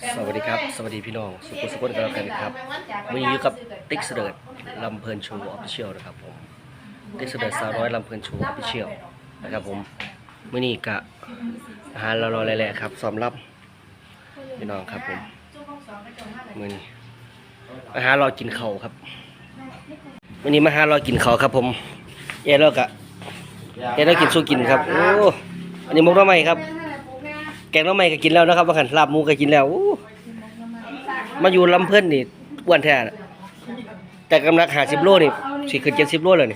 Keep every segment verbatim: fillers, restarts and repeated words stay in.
สวัสดีครับสวัสดีพี่น้องสุขุมสุขกันแล้วกันครับวันนี้อยู่กับติ๊กเสดิร์ดลำเพลินโชว์ออฟฟิเชียลนะครับผมติ๊กเสดิร์ดสาวน้อยลำเพลินโชว์ออฟฟิเชียลนะครับผมวันนี้กะอาหารรอๆแหละครับซ้อมรับพี่น้องครับผมวันนี้อาหารรอกินข้าวครับวันนี้มาหารอกินข้าวครับผมเอ๋แล้วกะเอ๋แล้วกินสู้กินครับโอ้อันนี้มุกน้ำไหมครับแกงน้ำไหมก็กินแล้วนะครับว่าขันลาบหมูก็กินแล้วมาอยู่ลำเพิ่นนี่อ้วนแท้แต่กำลังหาสิบโลนี่สี่ขึ้นเจ็ดสิบโลเลยนี่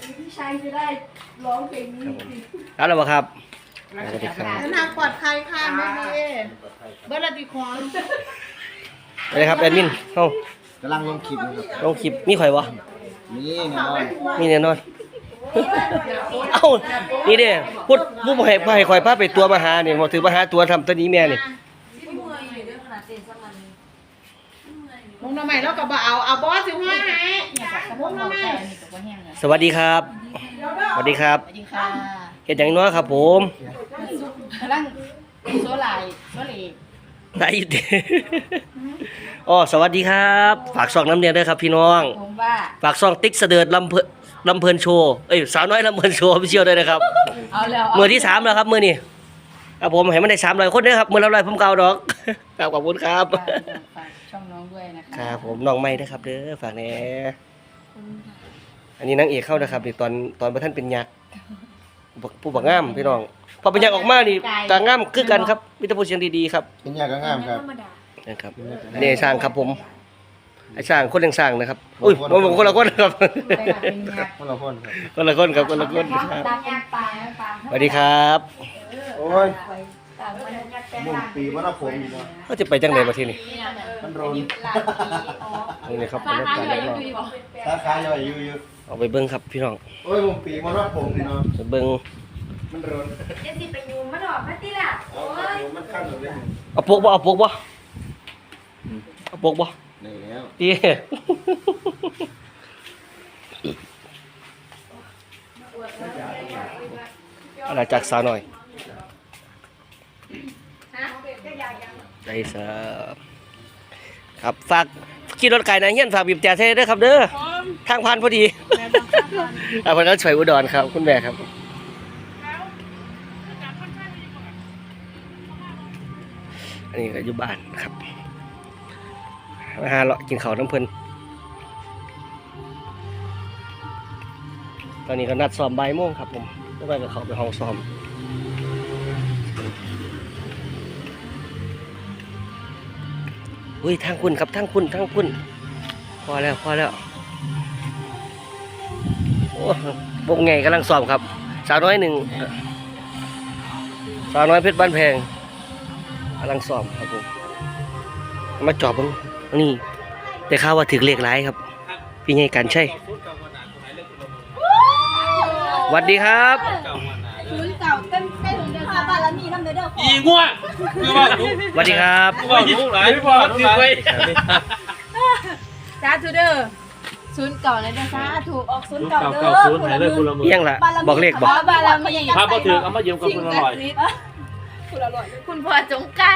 ครับแล้วครับสวัสดีครับทางปลอดภัยค่ะแม่เมย์เบอร์ละติคอนอะไรครับแอดมินเอ้ากำลังลงคลิปนะครับลงคลิปมีข่อยวะนี่แน่นอนมีแน่นอนเอ้านี่เด้พูดผู้บ่ให้บ่ให้ข่อยพาไปตัวมาหานี่บ่ถือมาหาตัวทำตัวนี้แม่นี่มงทำไมเราก็บ่เอาเอาบอสสิว่าไงมงทำไมสวัสดีครับสวัสดีครับสวัสดีค่ะเฮ็ดหยังน้อยครับผมกำลังโซลายโซลีได้อยู่เด้อ๋อสวัสดีครับฝากช่องน้ำเนียนด้วยครับพี่น้องผมว่าฝากช่องติ๊กเสดิร์ดลำเพลินลำเพลินโชว์เอ้ยสาวน้อยลำเพลินโชว์พี่เชียวด้วยนะครับเอาแล้วมือที่สามแล้วครับมือนี่ครับผมให้มันได้สามร้อยคนนะครับมือละร้อยผมเก่าดอกครับขอบคุณครับฝากช่องน้องด้วยนะคะครับผมน้องไม่นะครับเด้อฝากแหน่อันนี้นางเอกเข้านะครับนี่ตอนตอนพระท่านเป็นยักษ์ผู้บักงามพี่น้องพอเป็นยักษ์ออกมานี่กางงามคือกันครับมิตรพูดเสียงดีๆครับเป็นยากก็งามครับนะครับอันนี้ไอ้ช่างครับผมไอ้ช่างคนยังช่างนะครับอุ้ยผมผมคนละคนครับคนละคนครับคนละคนครับคนละคนครับตาเป็นปลาปลาสวัสดีครับโอ้ยมุ่งปีว่าผมอยู่นะเขาจะไปจังไหนมาที่นี่มันโรนนี่นะครับบรรยากาศรอบสาขาย่อยอยู่อยู่ๆเอาไปเบิ้งครับพี่น้องโอ้ยมุ่งปีมันว่าผมนี่เนาะไปเบิ้งมันโรนจะสิไปยูมาดอกมาติล่ะเอาโอ้ยมันขั้นหมดเลยเอาปกบ่เอาปกบ่เอาปกบ่นี่แล้วดีอะไรจากสาวหน่อยได้เสิร์ฟครับฝากขี่รถไก่นะเฮียนฝากบีบแจเท่ด้วยครับเด้อทางผ่านพอดีอ่าพนักช่วยอุดรครับคุณแม่ครับอันนี้ก็อยู่บ้านนะครับมาหาเลาะกินข้าวน้ำเพลินตอนนี้ก็นัดซ้อมบ่ายโมงครับผมแล้วไปกับเขาไปห้องซ้อมอุ้ยทางคุณครับทางคุณทางคุณพอแล้วพอแล้วโอ้วงไงกำลังซ้อมครับสาวน้อยหนึ่งสาวน้อยเพชรบ้านแพงกำลังซ้อมครับผมมาจอบเบิ่งนี่แต่ข่าวว่าถึงเลขหลายครับพี่ใหญ่กันใช่สวัสดีครับศูนย์เก่าเต็มใกล้ถึงเดือนบาลมีน้ำเดือดอีงัวคือว่าลูกสวัสดีครับคือว่าลูกหลายพ่อลูกหลายสาธุเด้อศูนย์เก่าเลยเด้อสาธุออกศูนย์เก่าเด้อเก่าศูนย์ไหนเลยคุณละมือเอียงล่ะบอกเลขบอกบารมีถ้าพอถือเอามาเยี่ยมกับคุณอร่อยคุณพ่อจงการ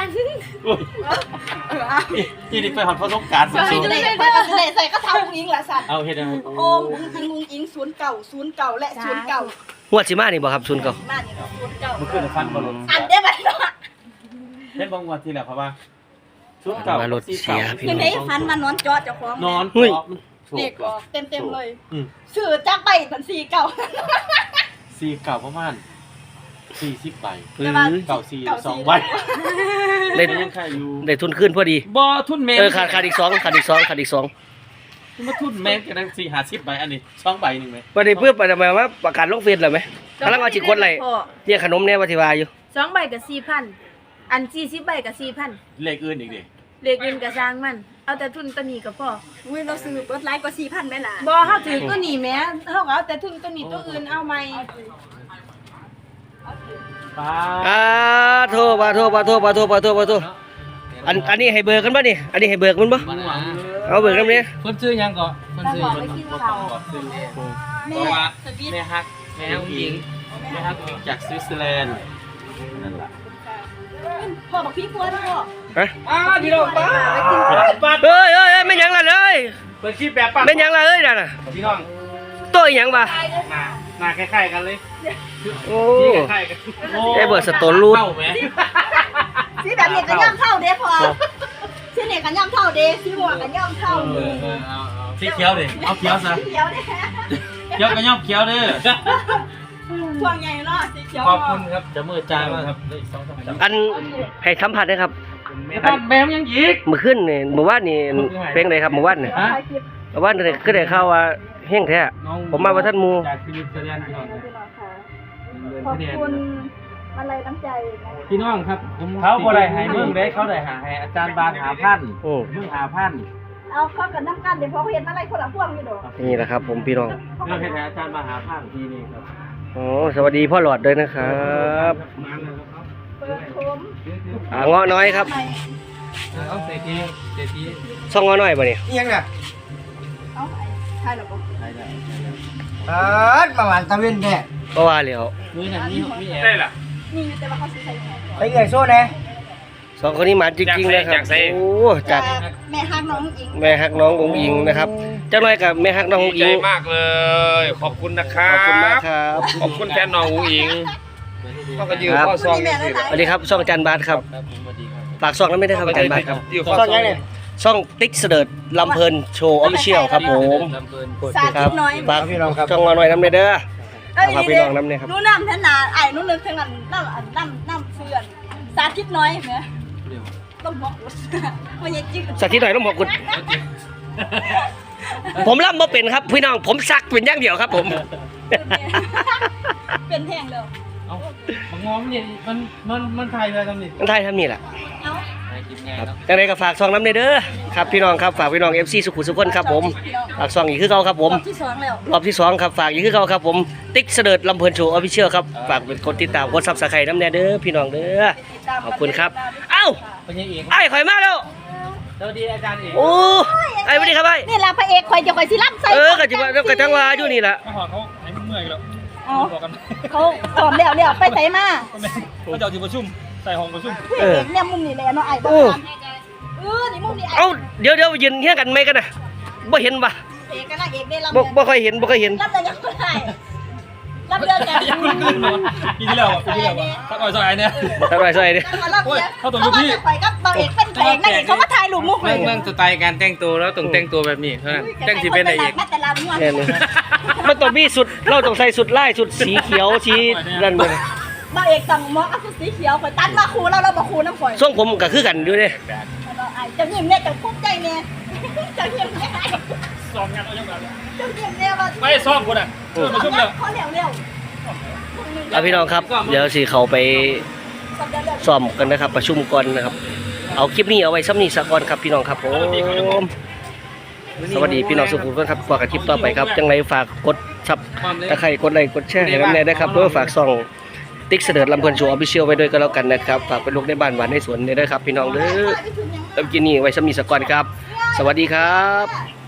ที่นี่ไปหอดพระสงการใช่เลยไปก็เลยใส่ก็ทำอิงแหละสัตว์เอาเฮ็ดอะไรโอมอิงอิงอิงศูนย์เก่าศูนย์เก่าและศูนย์เก่างวดสิมานี่บ่ครับชุนเก่ามาเนี่ยศูนย์เก่ามันขึ้นฟันบอลลูนอันได้ไหมเนาะเฮ็ดบางวันที่แล้วครับว่าชุดเก่ามารถเสียพี่คือน้ในองฟันมานอนจอเจ้าของนอนเด็กออกเต็มเต็มเลยอืมสื่อจักใบสันสีเก่าสี่เก่าประมาณสี่สิบใบหรือเก่าสี่สองใบได้ยังค่าอยู่ได้ทุนขึ้นพอดีบ่ทุนแมงเออขาดขาดอีกสองขาดอีกสองขาดอีกสองมาทุนแมงกันทั้งสี่ห้าสิบใบอันนี้สองใบหนึ่งไหมวันนี้เพื่อไปทำไมว่าประกาศลงเฟซเลยไหมกำลังเอาจิตคนไรเนี่ยขนมเนี่ยวัติวาอยู่สองใบกับสี่พันอันสี่สิบใบกับสี่พันเลขอื่นอีกดิเลขเงินกับสร้างมัน เอาแต่ทุนตัวนี้ก็พออุ้ยเราซื้อเปิดไลฟ์กว่าสี่พันไหมล่ะบ่เฮาถือตัวนี้แหม้เฮาก็เอาแต่ทุนตัวนี้ตัวอื่นเอาใหม่ป้าอ่าโทษปาโทษปาโทษปาโทษปาโทษปาโทษอันอันนี้ให้เบิกกันป่ะนี่อันนี้ให้เบิกมันป่ะเอาเบิกกันเนี่ยเพิ่นซื้อยังก่อนเพิ่นซื้อบอกไปกินข้าวเพราะว่าแม่ฮักแม่ฮักหญิงแม่ฮักหญิงจากสวิตเซอร์แลนด์นั่นแหละพ่อบอกพี่พวนพ่อฮะอ้าวพี่น้องป้าปัดเอ้ยเอ้ยเอ้ยไม่หยังล่ะเลยเปิดคลิปแบบปัดไม่หยังล่ะเอ้ยนั่นน่ะพี่น้องตัวอีหยังบ่หน้าหน้าคล้ายๆกันเลยโอ้สีคล้ายๆกันไอ้เบิร์ดสโตนรูดเข้าไหมสีแบบนี้ก็ย่อมเท่าเด้พอสีนี่ก็ย่อมเท่าเด้สีม่วงก็ย่อมเท่าเออเออเอาเอาสีเขียวดิเอาเขียวซะเขียวเด้เขียวก็ย่อมเขียวเด้อพวงใหญ่เนาะสีเขียวขอบคุณครับจะมือจางมากครับเลยสองสามจับอันให้สัมผัสนะครับปัดแบมยังอีกเมื่อคืนนี่เมื่อวานนี่เพลงไหนครับเมื่อวานนี่ฮะเมื่อวานนี่ก็ได้ข่าวว่าเฮงแท้น้องผมมาว่าท่านหมู่จากชีวิตเสรียนพี่น้องครับขอบคุณอะไรน้ำใจพี่น้องครับเขาบ่ได้ให้มึงได้เขาได้หาให้อาจารย์บานหาพันโอ้มึงหาพันเอาเข้ากันน้ำกันเดี๋ยวพอเขาเห็นอะไรคนละพวงอยู่ดอกนี่แหละครับ ผมพี่น้องเรื่องให้อาจารย์มาหาพันทีนี้ครับโอ้สวัสดีพ่อหลอดด้วยนะครับมาเลยครับเปิดโคมอ่าเงาะน้อยครับเอาเศรษฐีเศรษฐีซ่องเงาะน้อยป่ะเนี่ยยังน่ะเอาไอ้ใช่หรอปะได้ได้เออมาหวานตะเวนแท้ก็ว่าแล้วมือหนังนี่มีแอร์ได้ล่ะนี่แต่ว่าเขาใส่ใส่ไปเอ่ยโซ่แน่สองคนนี้หมาจริงๆนะครับโอ้จากแม่ฮักน้องอิงแม่ฮักน้ององอิงนะครับเจ้าน้อยกับแม่ฮักน้ององดีอิใจงมากเลย ขอบคุณนะครัขบอบคุณมากครับขอบคุณแฟนน้องอูอิงก็กระยืนข้อซองนี่สิสวัสดีครับช่องจันบาทครับครับผมสวัสดีครับฝากช่องนั้นไม่ได้ครับจันบาทครับยืนข้อซ่ซออน งยังเนี่ยช่องติ๊กเสดิร์ดลำเพลินโชว์ออฟฟิเชียลครับผมลำเพลินสาคธิรับตน้อยฝากช่องมาหน่อยน้ำเด้อเอ้ยฝากพี่น้องน้ำเนี่ยครับนู้นน้ำท่านนาไอ้นู้นนึกถึงอันน้ำน้ำน้ำเฟื่อนสาธิตน้อยเหรอต้องบอกมันยังจืดสักทีหน่อยต้องบอกคุณ ผมรับมาเป็นครับพี่น้องผมซักเป็นอย่างเดียวครับผมเป็นแพงเลยเอาบังงอมเนี่ยมันมันมันไทยเลยทำนี่มันไทยทำนี่แหละเอาไทยกินง่ายครับเนาะยังไงก็ฝากซองน้ำเด้อครับพี่น้องครับฝากพี่น้องเอฟซีสุขุมสุขคนครับผมฝากซองอีกคือเขาครับผมรอบที่สองแล้วรอบที่สองครับฝากอีกคือเขาครับผมติ๊กเสดิร์ดลำเพลินโชว์ออฟฟิเชียลครับฝากเป็นคนติดตามกดซับสไครต์น้ำแน่เด้อพี่น้องเด้อขอบคุณครับเอ้าเป็นยังเอกไอ้ข่อยมาแล้วสวัสดีอาจารย์เอกโอ้ไอ้สวัสดีครับไอ้นี่แหละพระเอกคอยจะคอยสิรับใส่เออกะจิบกะจังวาอยู่นี่แหละมาหอดเขาให้มึงเมื่อยแล้วเอาบอกกันเขาสอมแล้วแล้วไปใส่มาเขาจะเอาที่ประชุมใส่ห้องประชุมพระเอกเนี่ยมุมนี่แหละเนาะไอ้บ้านเออนี่มุมนี่ไอ้เอ้าเดี๋ยวเดี๋ยวยืนเฮี้ยงกันไหมกันนะบ่เห็นปะเอกกับนางเอกได้รับบ่บ่ค่อยเห็นบ่ค่อยเห็นรับแต่ยังไม่ได้รับเดือนกันยังไม่ขึ้นเลยปีที่แล้วอ่ะปีที่แล้วอ่ะสักอ่อยสักอ่อยเนี่ยสบายสบายดิโอ้ยเขาตรงยุคพี่ไปกับบางเอกเป็นเพลงนางเอกเขามาถ่ายรูปมุกเลเรื่อย งเรื่องสไตล์การแต่งตัวแล้วต้องแต่งตัวแบบนี้เท่านั้นแต่งที่เป็นอะไรอีกแต่ละม้วนแน่นอนมันต้องมีสุดเราต้องใส่สุดไล่สุดสีเขียวสีนั่นเลยบางเอกสั่งหมออัพสีเขียวข่อยตัดมาคูแล้วเราบอกคูน้ำข่อยทรงผมก็คือกันอยู่เด้จะยิ้มเนี่ยจะภูมิใจเนี่ยจะยิ้มเนี่ยซ้อมงานเอาอย่างไรจะยิ้มเนี่ยว่าไม่ซ้อมคนอ่ะประชุมเลยเขาเหลวเร็วเอาพี่น้องครับเดี๋ยวสิเขาไปซ้อมกันนะครับ ประชุมก่อนนะครับ เอาคลิปนี้เอาไว้ซ้ำนี้สักก่อนครับพี่น้องครับผมสวัสดีพี่น้องสุขุมทุกท่านครับฝากคลิปต่อไปครับจังไรฝากกดซับตะไคร่กดไลค์กดแชร์ให้น้ำแน่ด้วยครับด้วยฝากส่องติ๊กเสดิร์ดลำเพลินโชว์ออฟฟิเชียลไว้ด้วยก็แล้วกันนะครับฝากเป็นลูกในบ้านหวานในสวนด้วยครับพี่น้องเด้อแล้วกินนี่ไว้ซ้ำนี้สักก่อนครับ สวัสดีครับ